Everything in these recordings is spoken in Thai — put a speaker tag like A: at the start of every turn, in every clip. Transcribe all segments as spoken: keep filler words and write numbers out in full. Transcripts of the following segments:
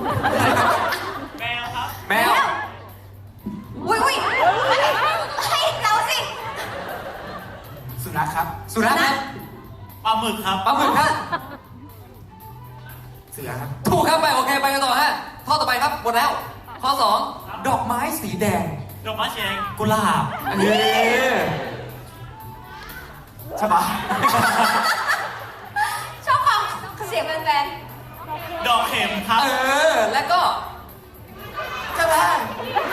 A: แมวครับ
B: แมว
C: อุ้ยอุ้ยให้เราสิ
D: สุนัขครับ
B: สุนัขครับ
A: ปลาหมึกครับ
B: ปลาหมึกครับ
D: เสือครับ
B: ถูกครับไปโอเคไปกันต่อฮะข้อต่อไปครับหมดแล้ว ข้อสองดอกไม้สีแดง
A: ดอกไม้สีแดงกุหลาบ
B: อันนี้
D: ใช่ปะ
C: ชอบความเสียงแฟน
A: ดอกเข็มครับ
B: เออแล้วก็
D: ใช่ปะ
B: ฮะ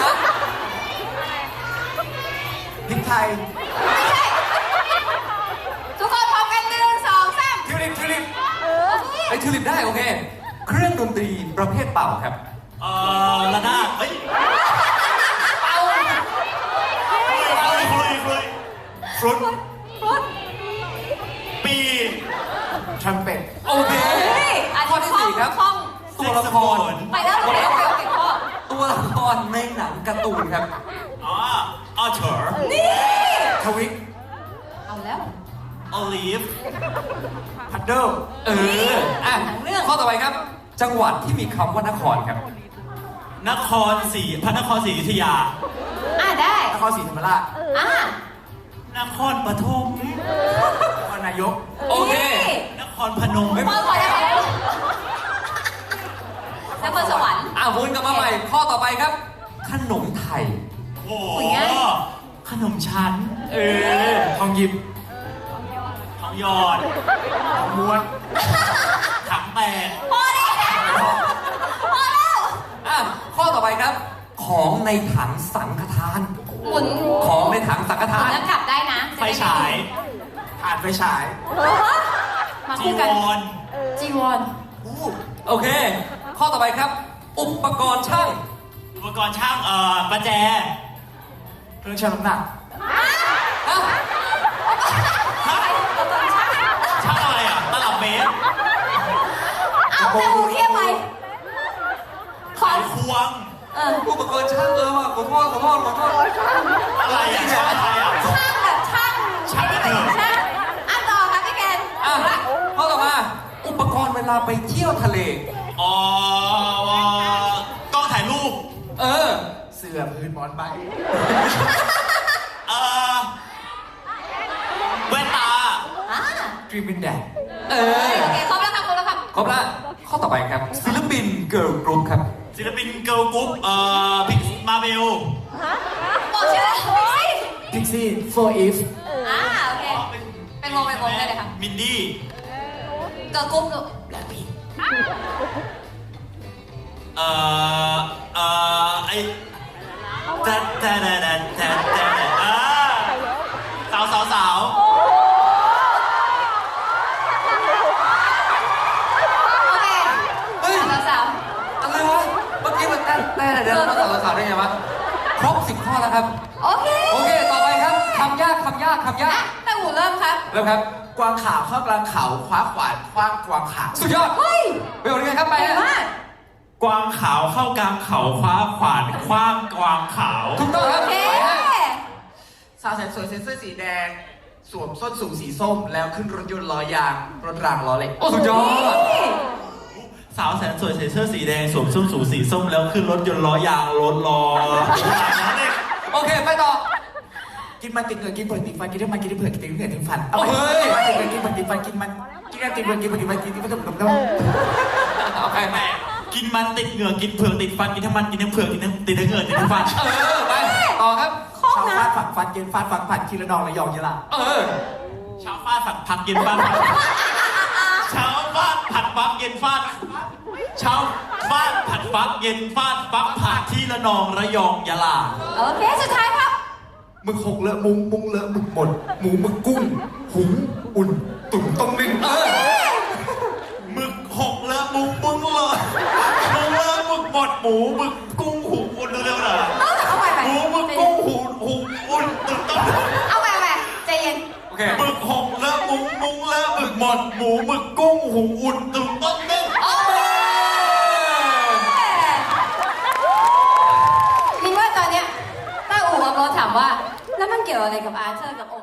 D: พริกไทย
C: ๆไม่ใช่ ทุกคนพร้อมกันหนึ่งสองสาม
D: ทิวลิปทิวลิป
B: ไอ้ทิวลิปได้โอเค เครื่องดนตรีประเภทเป่าครับ
A: เอ่อระนาดเฮ้ย
B: เป่า
A: ฟลุยฟลุยฟลุย
D: ฟรุต
C: พุทธ
A: ปี
D: ทรัมเป็ต
B: โอเค
C: เฮ้ยอัน
B: ข้อ
C: นี้
B: ที่สี่ครับ
C: คล่อง
B: ตัวละคร
C: ไปแล้วโอเคโอเคโอเคพ่อ
B: ตัวละครในหนังการ์ตูนครับ
A: อ๋อออเชอร์
C: นี่
D: ทวิก
C: เอาแล้ว
A: ออลีฟ
D: พัดเดิล
B: เอออ่ะ
C: หนังเรื่อง
B: ข้อต่อไปครับ จังหวัดที่มีคำว่านครครับ
A: นครศรีพระนครศรีอยุธยา
C: อ่ะได้
D: นครศรีธรรมราช
C: อ่ะ
A: นครปฐม
D: นครนายก
B: โอเค
A: นครพนม
C: พ่อขอได้ไหมนครสวรรค์
B: อ่ะวนกลับมาใหม่ ข้อต่อไปครับ ขนมไทย
A: โอ้โห
C: โอ้ยง่าย
A: ขนมชั้น
B: เออ
D: ทองหยิบ
A: ทองหยอด
D: ทองม้วน
A: ถังแตก
C: พอได้พอแล้ว
B: อ่ะข้อต่อไปครับ ของในถังสังฆทาน
C: หมุน
B: ของในถังสังฆ
C: หมุ
B: ทาน น
C: แล้วกลับได้นะ
A: ไฟฉาย
D: ผ่านไฟฉาย
C: เออมา
A: จี
C: คู่
A: ว
C: กัน
A: ร
C: จีวร
D: อู้
B: โอเค ข้อต่อไปครับ อุปกรณ์ช่าง
A: อุปกรณ์ช่างเอ่อประแจ
D: เครื่องชั่งน้ำหนัก
B: ฮะ
A: ฮะช่างอะไรอ่ะตลับเมตร
C: เอาแต่หูเข้มไปขอ
A: ไขควง
C: เออ
B: อุปกรณ์ช่างเออว่ะขอโทษขอโทษขอโทษ
A: อะไรอ่ะช่างอะไรอ่ะ
C: ช่างแบบช่าง
A: ช่างกระเถิบ
C: ช่างอ่ะต่อครับพี่แกน
B: อ่ะข้อต่อมา อุปกรณ์เวลาไปเที่ยวทะเล
A: อ๋อกล้องถ่ายรูป
B: เออ
D: เสื้อพื้นหมอนใบ
A: เอ่อแว่นตา
C: อ่ะ
D: ดรีมบินแดด
B: เออ
C: โอเคครบแล้วครับครบแล้วครับ
B: ครบละข้อต่อไปครับ ศิลปินเกิร์ลกรุ๊ปครับ
A: ศิลปินเกิร์ลกรุ๊ปเอ่อพิกมาเบล
C: บอกชื่อเลย
D: พิกซี่โฟร์อีฟ
C: อ่าโอเคเป็นวงเป็นวงได้เลยครับ
A: มินดี้
C: เกิร์ลกรุ๊ปลูก
D: แบล็คพิงค์
A: เอ่อเอ่อไอแต่แต่แต่แต่แต่แต่อ่าสาวสาวสาว
C: โอเค
B: เฮ้ย
C: สาวสาว
B: อะไรวะ เมื่อกี้มันแต่แต่เดี๋ยวเราต่อสาวได้ไงวะ ครบสิบข้อแล้วครับ
C: โอเค
B: โอเค ต่อไปครับ คำยาก คำยาก คำยา
C: อ่ะ
B: ก
C: แต่หูเริ่มครับ
B: เริ่มครับ
D: กวางขาวเข้ากลางเขาคว้าขวานคว้างกวางขาว
B: สุดยอด
C: เฮ้ย
B: ไปเอาดีครับ ไป
C: เก่ง
B: ฮะ
C: มาก
A: กวางขาวเข้ากลางเขาคว้าขวานคว้างกวางขาว
B: ถูกต้องครับ
C: โอเค
B: ไปฮะ
D: สาวแสนสวยใส่เสื้อสีแดง สวมส้นสูงสีส้ม แล้วขึ้นรถยนต์ล้อยาง รถรางล้อเหล็ก
B: โอ้ สุดยอด
A: สาวแสนสวยใส่เสื้อสีแดงสวมส้นสูงสีส้มแล้วขึ้นรถยนต์ล้อยางรถล้อล้อเหล็ก
B: โอเค ไปต่อ
D: กินมันติดเงินกินเผือกติดฟันกินได้มันกินได้เผือกกินได้เงินติดฟันเอา
B: เฮ้ย
D: ไปกินมันติดเงินกินเผือกติดฟันกินมันกินกันติดเงินกินมันติดฟันกินมันติดมันติดมัน
B: โอเคไป
A: กินมันติดเหงือกกินเผือกติดฟันกินทั้งมันกินทั้งเผือกกินทั้งติดทั้งเหงือกติดทั้งฟัน
B: เออ ไป ต่อครับ
C: ข้อง
D: ชาว
C: นะ
D: ฟาดฝักฟันเย็นฟาดฝักผัดคีระนองระยองยะลา
B: เออ
A: เช้าฟาดผัดผักเย็นฟาดผัดเช้าฟาดผัดฟักเย็นฟาดเช้าฟาดผัดฟักเย็นฟาดฟักผัดที่ระนองระยองยะลา
C: โอเค สุดท้ายครับ
D: หมึกหกเลอะมุงมุงเลอะหมึกหมด หมูหมึกกุ้ง หุงอุ่น ตุ๋นต้มนึ่ง
B: เออ
A: หมึกหกเลอะมุงมึงเลยมึงเลอะหมึกหมดหมูหมึกกุ้งหูอุ่นเร็วๆหน่อย
C: เอาเอาไปไป
A: หมูหมึกกุ้งหูหูอุ่นตื่นต้น
C: เอาไปไปใจเย็น
B: โอเค
A: หมึกหกเลอะมุงมุงเลอะหมึกหมดหมูหมึกกุ้งหูอุ่นตื่นต้นนึ่ง
C: โอเคมินว่าตอนเนี้ยต้าอู่กับโรถถามว่า แล้วมันเกี่ยวอะไรกับอาร์เธอร์กับโอ